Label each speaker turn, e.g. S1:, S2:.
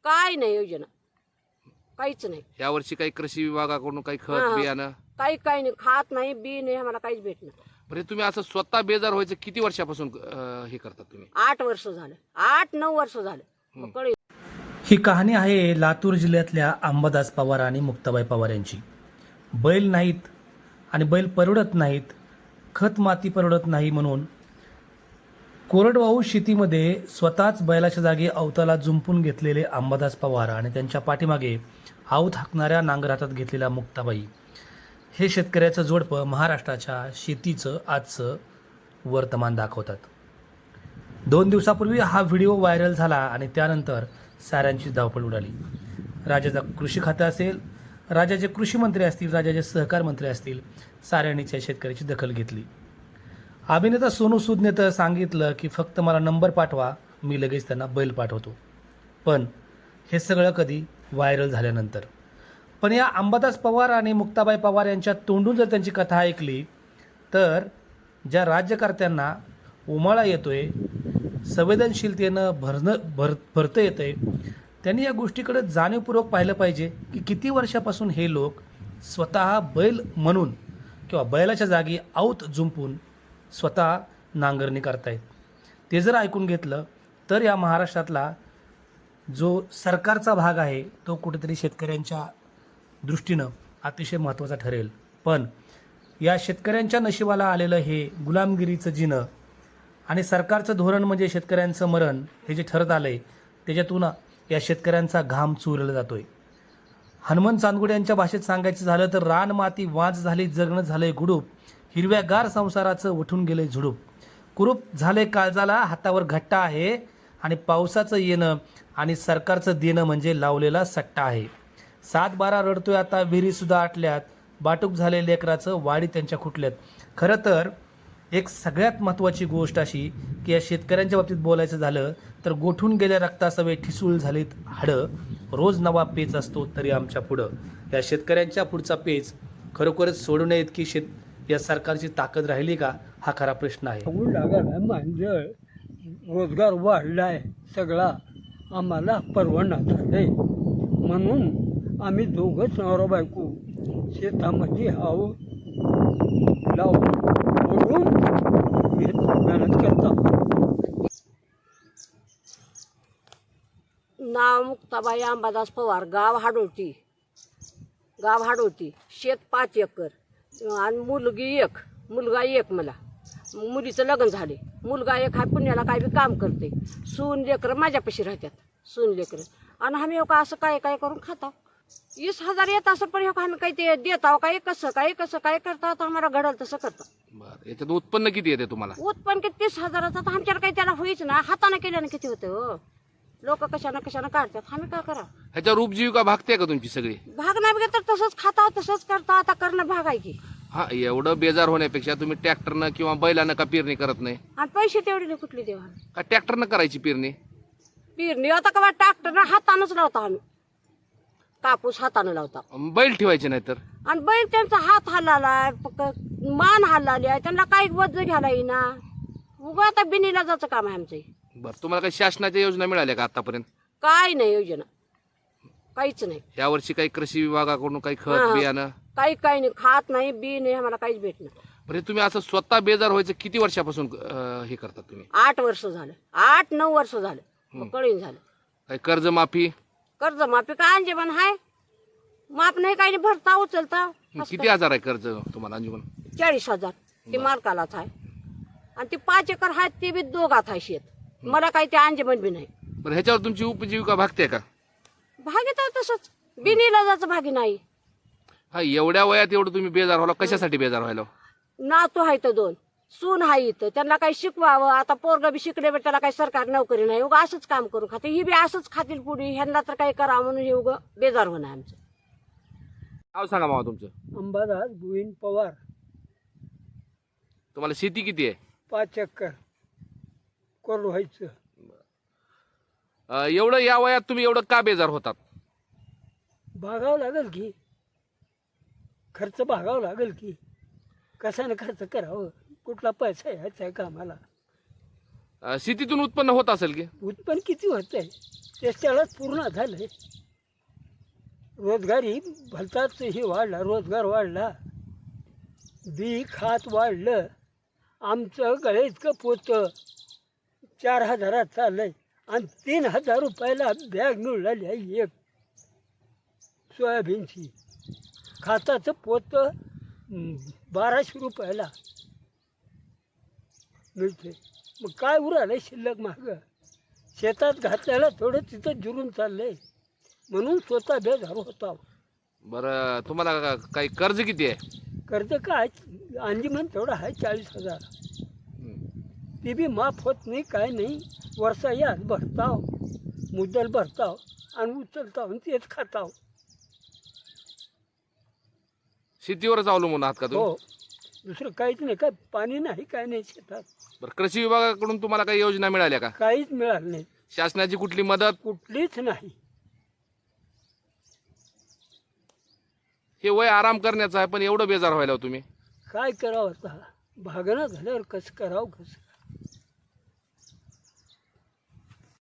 S1: काय नाही योजना, काहीच नाही.
S2: यावर्षी काही कृषी विभागाकडून काही
S1: हा,
S2: खत
S1: हा.
S2: बियाणं?
S1: काही नाही, खात नाही, बी नाही, आम्हाला काहीच भेटणार.
S2: बरे तुम्ही असं स्वतः बेजार व्हायचं किती वर्षापासून हे करतात तुम्ही?
S1: 8 वर्ष झालं, 8-9 वर्ष झालं. मग कळलं.
S3: ही कहाणी आहे लातूर जिल्ह्यातल्या अंबादास पवार आणि मुक्ताबाई पवार यांची. बैल नाहीत आणि बैल परवडत नाहीत, खत माती परवडत नाही म्हणून कोरडवाहू शेतीमध्ये स्वतःच बैलाच्या जागी अवताला जुंपून घेतलेले अंबादास पवार आणि त्यांच्या पाठीमागे आवत हाकणाऱ्या नांगर हातात घेतलेल्या मुक्ताबाई हे शेतकऱ्याचं जोडपं महाराष्ट्राच्या शेतीचं आजचं वर्तमान दाखवतात. 2 दिवसापूर्वी हा व्हिडिओ व्हायरल झाला आणि त्यानंतर साऱ्यांची धावपळ उडाली. राज्याचा कृषी खातं असेल, राज्याचे कृषी मंत्री असतील, राज्याचे सहकार मंत्री असतील, साऱ्यांनीच या शेतकऱ्याची दखल घेतली. अभिनेता सोनू सूदने तर सांगितलं की फक्त मला नंबर पाठवा, मी लगेच त्यांना बैल पाठवतो. पण हे सगळं कधी व्हायरल झाल्यानंतर. पण या अंबादास पवार आणि मुक्ताबाई पवार यांच्या तोंडून जर त्यांची कथा ऐकली तर ज्या राज्यकर्त्यांना उमाळा येतोय, संवेदनशीलतेनं भरतं येतंय, त्यांनी या गोष्टीकडे जाणीवपूर्वक पाहिलं पाहिजे की किती वर्षापासून हे लोक स्वतः बैल म्हणून किंवा बैलाच्या जागी आवत जुंपून स्वतः नांगरणी करतायत. ते जर ऐकून घेतलं तर या महाराष्ट्रातला जो सरकारचा भाग आहे तो कुठेतरी शेतकऱ्यांच्या दृष्टीनं अतिशय महत्त्वाचा ठरेल. पण या शेतकऱ्यांच्या नशिबाला आलेलं हे गुलामगिरीचं जिणं आणि सरकारचं धोरण म्हणजे शेतकऱ्यांचं मरण हे जे ठरत आलं आहे त्याच्यातून या शेतकऱ्यांचा घाम चुरला जातोय. हनुमंत चांदगुडे यांच्या भाषेत सांगायचं झालं तर रान माती वाज झाली, जगणं झालंय गुडूप, हिरव्यागार संसाराचं उठून गेलंय झुडूप, कुरूप झाले काळजाला, हातावर घट्टा आहे आणि पावसाचं येणं आणि सरकारचं देणं म्हणजे लावलेला सट्टा आहे. 7-12 रडतोय आता, विहिरीसुद्धा आटल्यात, बाटूक झाले लेकराचं, वाडी त्यांच्या खुटल्यात. खरं तर एक सगळ्यात महत्त्वाची गोष्ट अशी की या शेतकऱ्यांच्या बाबतीत बोलायचं झालं तर गोठून गेल्या रक्तासवे ठिसूळ झालीत हाडं, रोज नवा पेच असतो तरी आमच्या पुढं. या शेतकऱ्यांच्या पुढचा पेच खरोखरच सोडू नये इतकी या सरकारची ताकद राहिली का, हा खरा प्रश्न आहे.
S4: मांजळ रोजगार वाढलाय सगळा, आम्हाला परवडणार झालंय म्हणून आम्ही दोघंच नवरा बायको शेतामध्ये हाव लावून ओढून मेहनत करतात.
S1: नाव मुक्ताबाई अंबादास पवार, गाव हाडोटी. शेत 5 एकर आणि मुलगी 1, मुलगा 1. मला मुलीचं लग्न झाले, मुलगा 1 हा पुण्याला काय बी काम करते. सून लेकरं माझ्यापाशी राहतात, सून लेकरं. आणि आम्ही का असं काय करून खाता. 20,000 येत असं पण आम्ही काही ते देत आहो काय, कसं काय करतात, आम्हाला घडल तसं करतात.
S2: बरं, याच्यात उत्पन्न किती येते तुम्हाला?
S1: उत्पन्न किती 30,000चं तर आमच्याला काही त्याला होईच ना. हाताने केल्याने किती होतं हो. लोक कशानं काढतात, आम्ही काय करा.
S2: ह्याच्यावर उपजीविका भागते का तुमची सगळी?
S1: भाग नाही बघा तर तसंच खाता, तसंच करता. आता करणं भाग आहे की.
S2: हा, एवढं बेजार होण्यापेक्षा तुम्ही ट्रॅक्टरनं किंवा बैलानं का पेरणी करत नाही?
S1: आणि पैसे तेवढे नाही कुठले देवा.
S2: का ट्रॅक्टरनं करायची पेरणी
S1: आता का ट्रॅक्टर हातानच लावता आम्ही, कापूस हातानं लावता.
S2: बैल ठेवायचे नाही तर?
S1: आणि बैल त्यांचा हात हल्लालाय, मान हल्लाली आहे, त्यांना काही वज घ्यायला येईना. उगा आता बिनीला जायचं काम आहे आमचं.
S2: बरं, तुम्हाला काही शासनाच्या योजना मिळाल्या का आतापर्यंत?
S1: काय नाही योजना, काहीच नाही.
S2: यावर्षी काही कृषी विभागाकडून काही
S1: हा,
S2: खत
S1: हा.
S2: बियाणं?
S1: काही नाही, खात नाही, बी नाही, आम्हाला काहीच भेटणार.
S2: बरे तुम्ही असं स्वतः बेजार व्हायचं किती वर्षापासून हे करतात तुम्ही?
S1: 8 वर्ष झालं, 8-9 वर्ष झालं. मग कळीन झालं.
S2: काही कर्जमाफी?
S1: कर्जमाफी काय अंजमन हाय, माप नाही, काही नाही, भरता उचलता.
S2: किती हजार आहे कर्ज तुम्हाला अंजुमन?
S1: 40,000 ती मालकालाच आहे. आणि ती 5 एकर आहेत ती बी दोघात आहे शेत. मला काही ते अंजमन बी नाही.
S2: बरं, ह्याच्यावर तुमची उपजीविका भागते का?
S1: भागीत आहे तसंच, बिनीला जायचं भागी नाही.
S2: हा, एवढ्या वयात एवढं तुम्ही बेजार व्हायला, कशासाठी बेजार व्हायला?
S1: नातू आहे तर 2, सून आहे इथं, त्यांना काही शिकवावं. आता पोरगा बी शिकले बी त्याला काही सरकार नोकरी नाही, उगा असंच काम करून खाते. ही बी असंच खातील पुढे, ह्यांना तर काही करावं म्हणून हे उगं बेजार होणं आमचं.
S2: नाव सांगा मामा तुमचं.
S4: अंबादास गोविंद पवार.
S2: तुम्हाला शेती किती आहे?
S4: 5 एकर कोरडं व्हायचं.
S2: एवढं या वयात तुम्ही एवढं का बेजार होतात?
S4: भागावं लागेल की, खर्च भागावं लागेल की, कशाने खर्च करावं, कुठला पैसा यायचा आहे कामाला.
S2: शेतीतून उत्पन्न होत असेल की?
S4: उत्पन्न किती होत आहे ते त्यालाच पूर्ण झालंय. रोजगारी भलताच हे वाढला, रोजगार वाढला, बी खात वाढलं. आमचं गळे इतकं पोतं 4,000 चाललंय आणि 3,000 रुपयाला बॅग मिळाली आहे एक सोयाबीनची. खाताचं पोतं 1,200 रुपयाला मिळते. मग काय उरालंय शिल्लक मागं? शेतात घातल्याला थोडं तिथं जिरून चाललंय म्हणून स्वतः बेजार होता.
S2: बरं, तुम्हाला काही कर्ज किती आहे?
S4: कर्ज काय अंजीमन तेवढं आहे 40,000. ते बी माफ होत नाही, काय नाही. वर्षा याच भरताव, मुद्दल भरताव आणि उचलताव आणि तेच खाताव.
S2: शेतीवरच अवलंबून आहात का तुम्ही?
S4: हो, दुसरं काहीच नाही. काय पाणी नाही, काय नाही शेतात.
S2: बरं, कृषी विभागाकडून तुम्हाला काही योजना मिळाल्या का?
S4: काहीच मिळालं नाही,
S2: शासनाची कुठली मदत?
S4: कुठलीच नाही.
S2: हे वय आराम करण्याचं आहे, पण एवढं बेजार व्हायला हो तुम्ही?
S4: काय करावं आता? भागणं झाल्यावर कसं करावं, कसं